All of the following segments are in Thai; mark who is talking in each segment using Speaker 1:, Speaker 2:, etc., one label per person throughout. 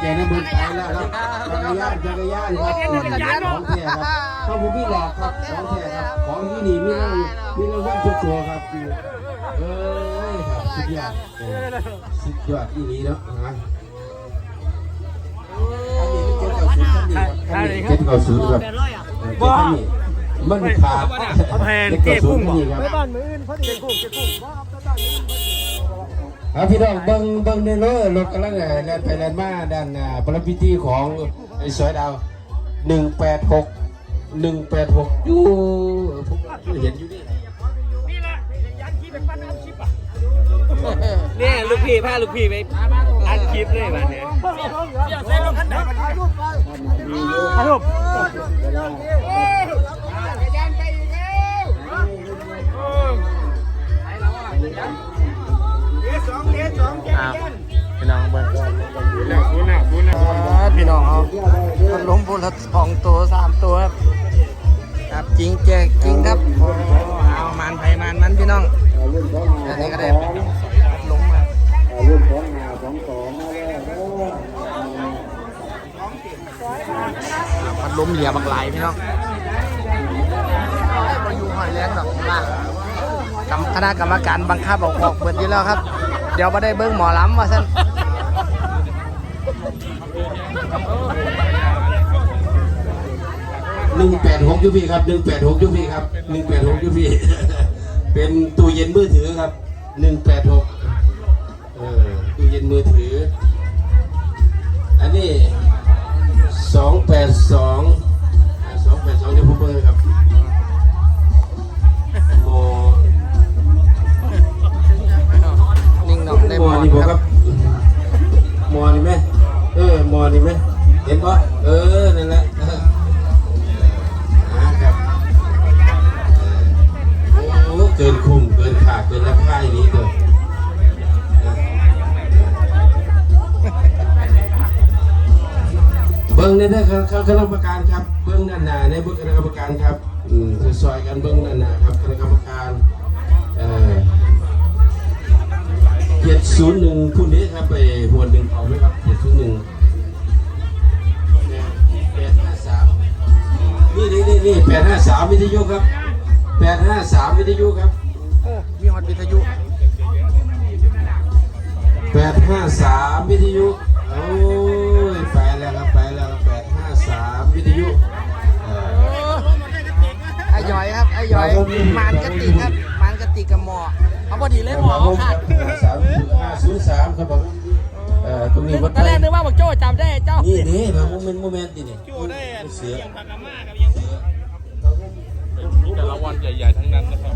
Speaker 1: ใจนะเบิ้งไปแล้วครับจักรยานครับของแท้ครับเขาผมพี่หลอกครับของแท้ครับของที่นี่มีรางวัลทุกตัวครับเอ้ยครับสุดยอดสุดยอดอีนี้เนาะฮะเจ็ดเก้าศูนย์ครับมันขาด
Speaker 2: แพนเจ๊กุ้งบ่
Speaker 1: ไปบ้านมืออื่นพอดีเจ๊กุ้งครับพี่น้องเบิ้งในรถกำลังแล่นไปแล่นมาด้านประพิธีของสอยดาว186อยู่ผมเห็นอยู่นี่
Speaker 2: นี่แหละยันคลิปเป็นปั้นอัดคลิปอ่ะเนี่ยลูกพี่พาลูกพี่ไปอัดคลิปเลยวันนี้อยากใส่รถคันไหนถ่ายรูปพี่น้องเบิ้งพี่น้องเอาพัดลมพูละ2 ตัว 3 ตัวครับจริงแจกจริงครับเอามันไผ่มันพี่น้องอันนี้ก็ได้ลงมาพัดลมเหลี่ยบางหลายพี่น้องบริยูหอยแรงดอกมาคณะกรรมการบังคับออกเปิดอยู่แล้วครับเดี๋ยวมาได้เบิ้งหมอล้ำว่าซั่น
Speaker 1: 186ยูพีครับ186ยูพีครับ186ยูพีเป็นตู้เย็นมือถือครับ186ตู้เย็นมือถืออันนี้282เดี๋ยวผมเปิดครับ
Speaker 2: นิ่งหน่องได้หมอ
Speaker 1: นี่ครับหมอนี่ไหมหมอนี่ไหมเห็นปะนั่นแหละครับโอ้เกินคุ้มเกินขาดเกินราคาอย่างนี้เลยเบิ้งนี่นะครับคณะกรรมการครับเบิ้งด้านหน้าในเบิ้งคณะกรรมการครับซอยกันเบิ้งด้านหน้าครับคณะกรรมการ701ผู้นี้ครับไปหัวหนึ่งเขาไหมครับ701 853นี่853วิทยุครับ853วิทยุครับ
Speaker 2: มีฮอตวิทยุ
Speaker 1: 853วิทยุโอ้ยไปแล้ว853วิทยุ
Speaker 2: ไอ้ย่อยครับไอ้ย่อยมานกระติกครับมานกระติกกับหมอเขาพอดีเลยหมอเขาขาด
Speaker 1: 503ครับผมตรงนี้วัด
Speaker 2: ตอนแรกนึกว่าบอกโจ้จำได้เจ้า
Speaker 1: นี่แบบโมเมนต์นี่
Speaker 2: โจ้ได้
Speaker 1: เสือ
Speaker 2: ยังผักกาม่ากับยังมีแต่ละวันใหญ่ๆทั้งนั้นนะครับ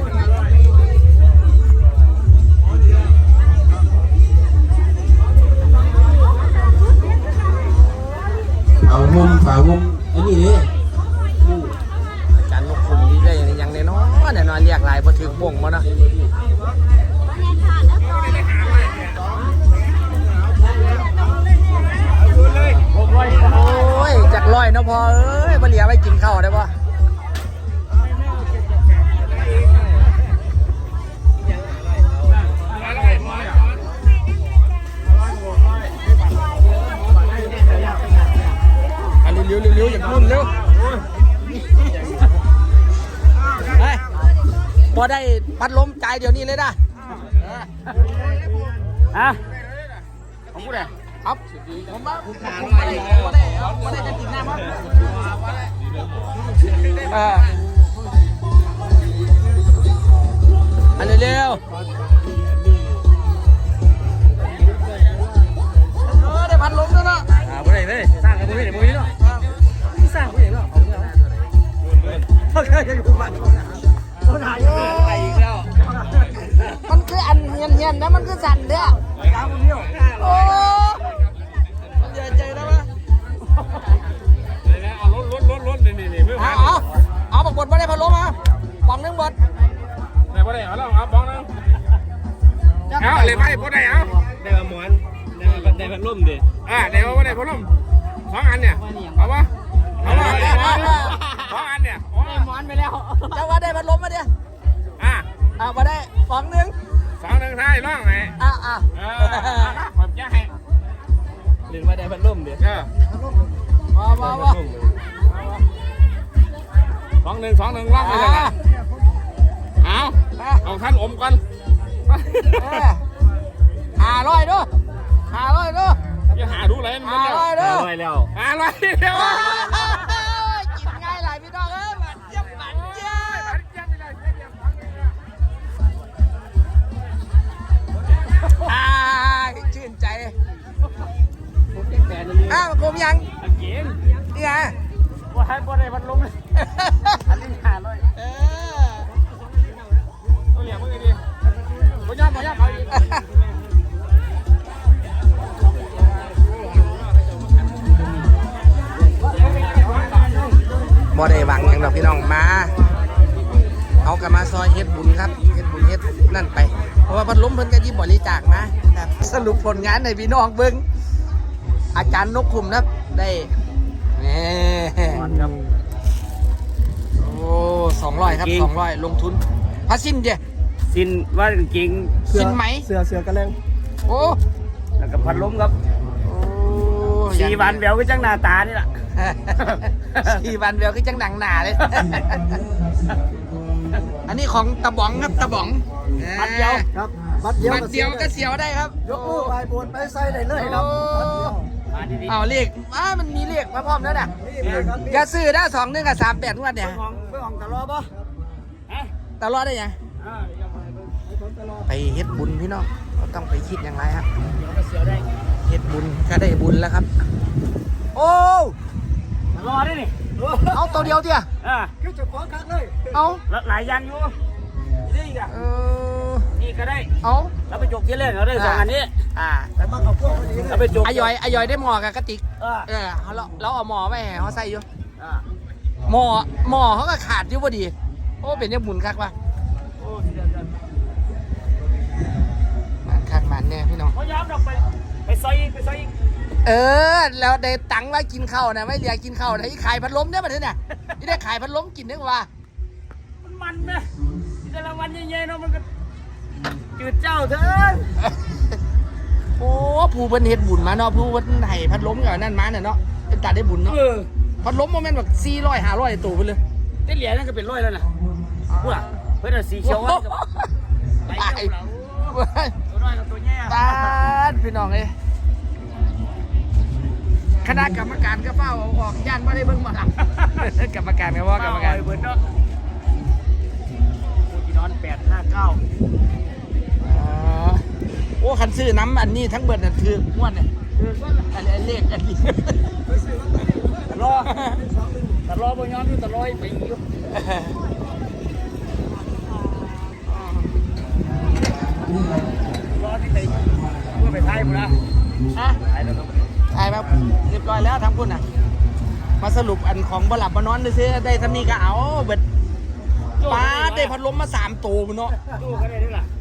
Speaker 1: ฝามุมอันนี้นี่
Speaker 2: อาจารย์นกคุมนี่ได้ยังแน่นอนเรียกลายพอถึงบ่งมาเนาะโอ้ยจากร้อยเนาะพอมาเหลียไปกินข้าวได้ปะเร็วอย่างรุ่นเร็วพอได้พัดลมใจเดี๋ยวนี้เลยนะของกูเลยครับผมมาได้จะติดหน้ามั้งอันเร็วได้พัดลมแล้วเนาะกูได้เลยสร้างกันกูได้กูได้เนาะสร้างกูได้เนาะเขาแค่จะอยู่บ้านคนหายไปอีกแล้วมันคืออันเงียนนะมันคือสั่นเด้อโอ้มันเจอแล้วมั้ยเอารถนี่ไม่ผ่านเอาบักบดมาได้พัดลมมาปองนึงบด
Speaker 3: ได้บ่ได้เอาแล้วเอาบ้องนึงเอาเลยไม่บ่ได้เอา
Speaker 2: ได้มาหมอนได้พัดลมดิ
Speaker 3: ได้บ่ได้พัดลม2 อันเนี่ยเอาปะ2 อันเนี่ย
Speaker 2: ได้หมอนไปแล้วเจ้าว่าได้พัดลมมาดิมาได้ปองนึง
Speaker 3: 2 1ท้ายร่องไหน
Speaker 2: ผมจะให้เล่นมาได้พัดลมเดี๋ยว
Speaker 3: มา2-1ล่องไปเลยนะเอาท่านอมกัน
Speaker 2: 500ด้วย
Speaker 3: อย่าหาดูเลยมันแล้ว
Speaker 2: 500ด้วย
Speaker 3: แล้ว
Speaker 2: กินง่ายหลายพี่น้องเอ้ยมันเยี่ยมชื่นใจผมยัง
Speaker 3: กิน
Speaker 2: นี่ไง
Speaker 3: ว่าให้บ่ได้พัดลมเลยอันนี้500เอาเหลี่ยมมือดีบ่ยอมเอาอีก
Speaker 2: บ่ได้หวังอย่างดอกพี่น้องมาเอากลับมาซอยเฮ็ดบุญครับเฮ็ดบุญเฮ็ดนั่นไปเพราะว่าพัดลมเพิ่นก็ยิบบริจาคนะครับสรุปผลงานในพี่น้องเบิ่งอาจารย์นกคุมนะครับได้นี่ครับโอ้200ครับ200ลงทุนพาสิ้นเจ้
Speaker 4: สินว่าจริง
Speaker 2: สิ้นไหม
Speaker 4: เสือกระเลง
Speaker 2: โอ้
Speaker 4: แล้วก็พัดลมครับ
Speaker 2: โอ้
Speaker 4: 4 วันแววก็จังหน้าตานี่แหละ
Speaker 2: 4 วันเดียวคือจังหนังหนาเลย อันนี้ของตะบ๋องครับตะบ๋อง
Speaker 4: บัดเดียวครับ
Speaker 2: บัดเดียวก็เสียวได้ครับ
Speaker 4: ยกมือไปบนไปใส่ได้เลยครับบัดเดียวมาดีๆ
Speaker 2: เอาเลขมันมีเลขมาพร้อมแล้วน่ะอย่าซื้อได้2-1กับ38งวดเนี่ย
Speaker 4: เพื่อของตลอดป่ะ
Speaker 2: ตลอดได้ยังไปเฮ็ดบุญพี่น้องก็ต้องไปคิดอย่างไรครับเฮ็ดบุญก็ได้บุญแล้วครับ โอ้
Speaker 4: ตลอดได้นี่
Speaker 2: เอาตัวเดียวเดียว
Speaker 4: คือจะฟ้องคักเลย
Speaker 2: เอา
Speaker 4: หลายอย่างอยู่นี่อีกอ่ะ นี่ก็ได้
Speaker 2: เอา
Speaker 4: แล้วไปจกที่เล่นเราได้2 อันนี้ แต่มาเขาพวกนี้แล้วไปจก
Speaker 2: อายอยได้หมอกับกระติกเราเอาหมอไว้ให้เขาใส่อยู่หมอเขาก็ขาดอยู่พอดีโอ้เป็นยังบุญคักว่ะมันคักมันเนี่ยพี่น้อง
Speaker 4: เขาย้ำเราไปซอยอีก
Speaker 2: แล้วได้ตังค์ไว้กินข้าวนะไม่เหลือกินข้าวนะอีขายพัดลมเนี่ยมันเนี่ยที่ได้ขายพัดลมกินได้ว่า
Speaker 4: มันนะแต่ละวันเย็นๆเนาะมันก็จืดเจ้าเถอะ
Speaker 2: โอ้ผู้เพิ่นเฮ็ดบุญมาเนาะผู้เพิ่นให้พัดลมกับนั่นมาเนี่ยเนาะเป็นตัดได้บุญเนาะพัดลมโมเมนต์แบบ400-500ตัวไปเลย
Speaker 4: ได้เหรียญนั่นก็เป็น100แล้วนะพูดอ่ะเพื่อนสีเขียวว่าไปเที่ยวเราตัวน้อยกับตัวแย่
Speaker 2: ตาดพี่น้องเลยคณะกรรมการก็เฝ้าออกย่านว่าได้เบิ่งมาหลังกรรมการก็ว่ากรรมการ
Speaker 4: เบิร์ดเนาะปูที่นอน859
Speaker 2: โอ้คันซื้อน้ำอันนี้ทั้งเบิดน่ะถือม้วนเนี่ยอันนี้เลขอันนี้
Speaker 4: ตลอดบนย้อนอยู่ตลอดไปอยู่รอที่ไหนเพื่อไปไทยมั้งนะไทยแล้วก็
Speaker 2: ใช่ครับเรียบร้อยแล้วทั้งคุณน่ะมาสรุปอันของบหลับบนอนซื้อได้ทำนี้ก็เอาเบิดป้าได้พัดลมมา3ตัวมันเนาะ
Speaker 4: ตู้ก็ได้ด้วยล่ะ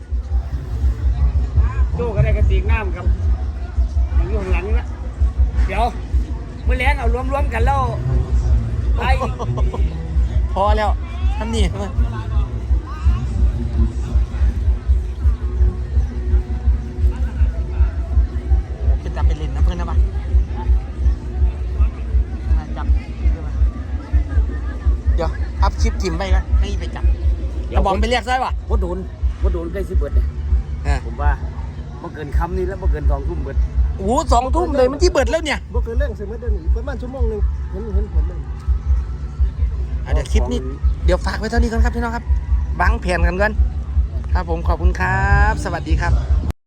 Speaker 4: ตู้ก็ได้กระติกน้ำครับอย่างอยู่ข้างหลังนะเดี๋ยวเมื่อแรงเอารวมๆกันแล้วไป
Speaker 2: พอแล้วทำนี่เป็นจับเป็นเลนนะเพื่อนนะบ้าจับเดี๋ยวอัพคลิปถิ่มไปกันให้ไปจับกระบอกไปเรียกได้ป่ะ
Speaker 4: วัดโดนใกล้สิเบิดเนี่ยผมว่าเมื่อเกินคำนี้แล้วเมื่อเกิน2 ทุ่มเบิด
Speaker 2: โอ้2 ทุ่มเลยมันที่เบิดแล้วเนี่ย
Speaker 4: เมื่อเกินเรื่องเสร็จเมื่อเดือนนี้ประมาณ1 ชั่วโมงเห็นผลเลย
Speaker 2: เดี๋ยวคลิปนี้เดี๋ยวฝากไว้เท่านี้ก่อนครับพี่น้องครับบังแผนกันครับผมขอบคุณครับสวัสดีครับ